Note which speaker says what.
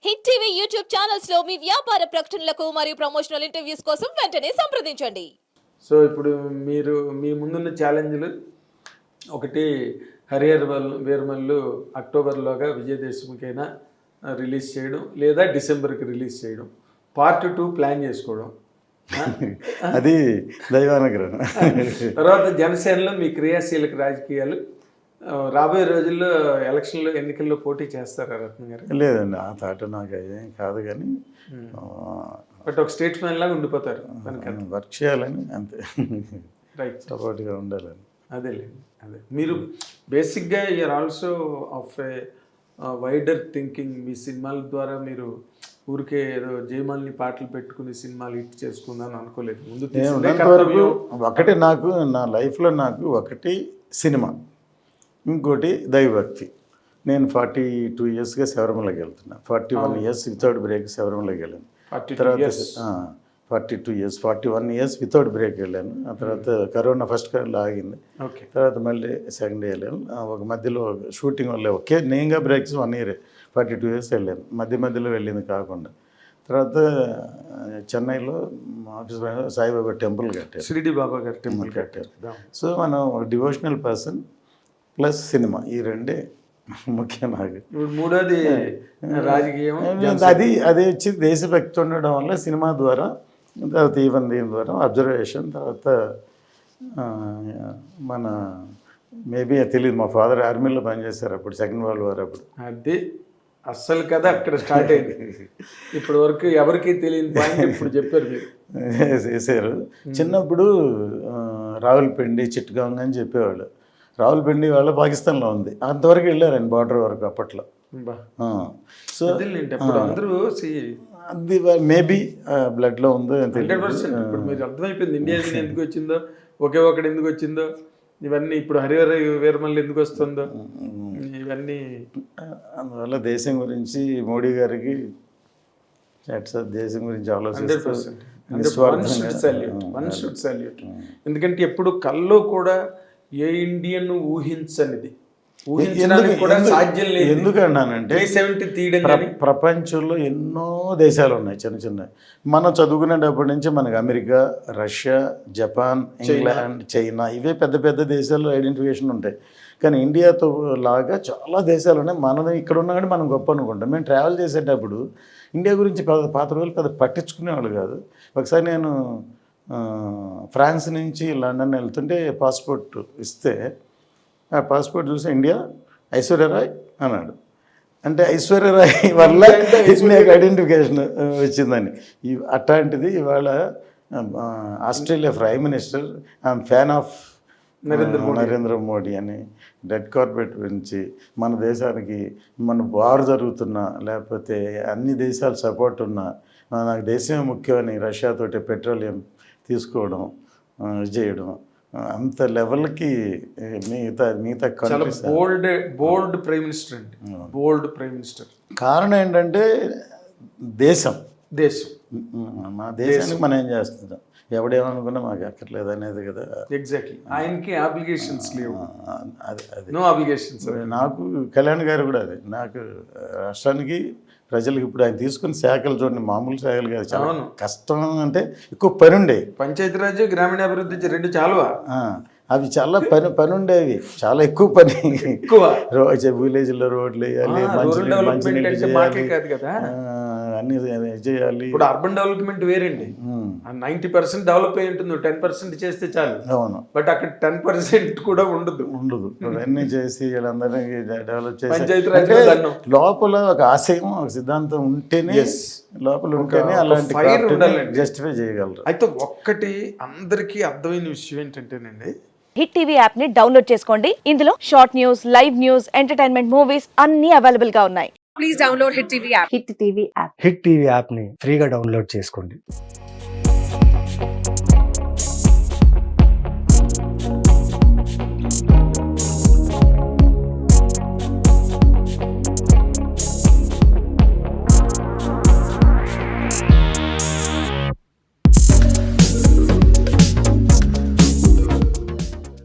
Speaker 1: Hit TV YouTube channels లో మీ వ్యాపార ప్రకటనలకు మరియు ప్రమోషనల్ ఇంటర్వ్యూస్ కోసం వెంటనే సంప్రదించండి.
Speaker 2: సో ఇప్పుడు మీరు మీ ముందున్న ఛాలెంజ్లు ఒకటి హరిహర వీరమల్లు అక్టోబర్లోగా విజయదశమికైనా రిలీజ్ చేయడం లేదా డిసెంబర్కి రిలీజ్ చేయడం, పార్ట్ 2 ప్లాన్ చేసుకోవడం,
Speaker 3: అది దైవానుగ్రహం.
Speaker 2: తర్వాత జనసేనలో మీ క్రియాశీలక రాజకీయాలు, రాబోయే రోజుల్లో ఎలక్షన్లో ఎన్నికల్లో పోటీ చేస్తారా రత్న గారు?
Speaker 3: లేదండి, ఆ థాట్ నాకు ఏం కాదు, కానీ
Speaker 2: బట్ ఒక స్టేట్స్మెన్ లాగా ఉండిపోతారు,
Speaker 3: వర్క్ చేయాలని అంతే,
Speaker 2: రైట్,
Speaker 3: సపోర్ట్గా ఉండాలని.
Speaker 2: అదేలేండి. అదే మీరు బేసిక్గా you are also of a wider thinking. మీ సినిమాల ద్వారా మీరు ఊరికే ఏదో జయమాలిని పాటలు పెట్టుకుని సినిమాలు హిట్ చేసుకుందాం అనుకోలేదు. ముందు
Speaker 3: వరకు ఒకటి నాకు నా లైఫ్లో నాకు ఒకటి సినిమా, ఇంకోటి దైవభక్తి. నేను 42 ఇయర్స్గా శబరిమలకి వెళ్తున్నా. 41 ఇయర్స్ వితౌట్ బ్రేక్ శబరిమలకి వెళ్ళాను. తర్వాత 41 ఇయర్స్ వితౌట్ బ్రేక్ వెళ్ళాను. ఆ తర్వాత కరోనా ఫస్ట్ కరోనా ఆగింది, తర్వాత మళ్ళీ సెకండ్ వెళ్ళాను. ఒక మధ్యలో షూటింగ్ వల్ల ఒకే నేనుగా బ్రేక్స్ 1 ఇయర్ 42 ఇయర్స్ వెళ్ళాను, మధ్యలో వెళ్ళింది కాకుండా. తర్వాత చెన్నైలో ఆఫీస్ సాయిబాబా టెంపుల్ కట్టారు,
Speaker 2: షిరిడి బాబా గారు టెంపుల్
Speaker 3: కట్టారు. సో మనం ఒక డివోషనల్ పర్సన్ ప్లస్ సినిమా, ఈ రెండే ముఖ్యం నాకు.
Speaker 2: మూడోది రాజకీయం,
Speaker 3: అది వచ్చి దేశభక్తి ఉండడం వల్ల సినిమా ద్వారా, తర్వాత ఈవెన్ దీని ద్వారా అబ్జర్వేషన్, తర్వాత మన మేబీ తెలియదు, మా ఫాదర్ ఆర్మీలో పనిచేశారు అప్పుడు, సెకండ్ వరల్డ్ వార్ అప్పుడు.
Speaker 2: అది అస్సలు కదా అక్కడ స్టార్ట్ అయింది. ఇప్పటి వరకు ఎవరికి తెలియని పాయింట్ ఇప్పుడు చెప్పారు మీరు.
Speaker 3: చేశారు. చిన్నప్పుడు రావులపిండి, చిట్టగాంగ్ అని చెప్పేవాళ్ళు. రావులపిండి వాళ్ళ పాకిస్తాన్లో ఉంది, అంతవరకు వెళ్ళారండి, బార్డర్ వరకు అప్పట్లో. సో
Speaker 2: అందరూ
Speaker 3: అది మేబీ బ్లడ్లో ఉందో.
Speaker 2: 100% ఇప్పుడు మీరు అర్థమైపోయింది ఇండియా ఎందుకు వచ్చిందో, ఒకే ఒకటి ఎందుకు వచ్చిందో, ఇవన్నీ ఇప్పుడు హరిహర వీరమల్లు ఎందుకు వస్తుందో, ఇవన్నీ
Speaker 3: అందువల్ల దేశం గురించి మోడీ గారికి దేశం గురించి ఆలోచిస్తూ
Speaker 2: ఎందుకంటే ఎప్పుడు కల్లో కూడా ఏ ఇండియన్ ఊహించనిది, ఊహించడానికి కూడా సాధ్యం లేదు.
Speaker 3: ఎందుకన్నానంటే ప్రపంచంలో ఎన్నో దేశాలు ఉన్నాయి చిన్న చిన్న. మనం చదువుకునేటప్పటి నుంచి మనకి America, Russia, Japan, England, China, ఇవే పెద్ద పెద్ద దేశాల్లో ఐడెంటిఫికేషన్ ఉంటాయి. కానీ ఇండియాతో లాగా చాలా దేశాలు ఉన్నాయి. మనది ఇక్కడ ఉన్నా కానీ మనం గొప్ప అనుకుంటాం. మేము ట్రావెల్ చేసేటప్పుడు ఇండియా గురించి పాత రోజులు పెద్ద పట్టించుకునేవాళ్ళు కాదు. ఒకసారి నేను ఫ్రాన్స్ నుంచి లండన్ వెళ్తుంటే పాస్పోర్ట్ ఇస్తే, ఆ పాస్పోర్ట్ చూసి ఇండియా ఐశ్వర్యరాయ్ అన్నాడు. అంటే ఐశ్వర్యరాయ్ వల్ల నాకు ఐడెంటిఫికేషన్ వచ్చిందని. అట్లాంటిది ఇవాళ Australia prime minister I'm fan of Narendra Modi అని రెడ్ కార్పెట్ గురించి మన దేశానికి, మన వార్ జరుగుతున్నా లేకపోతే అన్ని దేశాలు సపోర్ట్ ఉన్నా నాకు దేశమే ముఖ్యమని రష్యాతోటి పెట్రోలియం తీసుకోవడం, చేయడం, అంత లెవెల్కి మిగతా
Speaker 2: బోల్డ్ ప్రైమ్ మినిస్టర్ అండి, బోల్డ్ ప్రైమ్ మినిస్టర్.
Speaker 3: కారణం ఏంటంటే దేశం మన దేశానికి మనం ఏం చేస్తున్నాం, ఎవడేమనుకున్నా మాకు అక్కర్లేదు అనేది కదా.
Speaker 2: ఎగ్జాక్ట్లీ, ఆయనకి అప్లికేషన్స్ లేవు, నో అప్లికేషన్స్.
Speaker 3: నాకు కళ్యాణ్ గారు కూడా అదే, నాకు రాష్ట్రానికి ప్రజలకు ఇప్పుడు ఆయన తీసుకున్న శాఖలు చూడండి, మామూలు శాఖలు కాదు, చాలా కష్టం. అంటే ఎక్కువ పని ఉండేవి.
Speaker 2: పంచాయతీరాజ్, గ్రామీణాభివృద్ధి రెండు చాలువా,
Speaker 3: అవి చాలా పని ఉండేవి, చాలా ఎక్కువ పని, విలేజ్లో రోడ్లు వేయాలి, మంచినీళ్ళు చేయాలి, అన్ని చేయాలి.
Speaker 2: ఇప్పుడు అర్బన్ డెవలప్మెంట్ వేరండి, 90% డెవలప్ అయి ఉంటుంది, 10% చేస్తే చాలు.
Speaker 3: అవును,
Speaker 2: బట్ అక్కడ 10% కూడా ఉండదు.
Speaker 3: అన్నీ చేసి వీళ్ళందరినీ డెవలప్ చేసి లోపల ఒక ఆశయం, ఒక సిద్ధాంతం ఉంటేనే, లోపల ఉంటేనే అలాంటి జస్టిఫై చేయగలరు.
Speaker 2: అయితే ఒక్కటి అందరికీ అర్థమైన విషయం ఏంటంటేనండి,
Speaker 1: హిట్ టీవీ యాప్ ని డౌన్లోడ్ చేసుకోండి. ఇందులో short news, live news, entertainment movies అన్ని అవైలబుల్ గా ఉన్నాయి. Please download hit TV app.
Speaker 4: Hit TV app ని ఫ్రీగా డౌన్లోడ్ చేసుకోండి.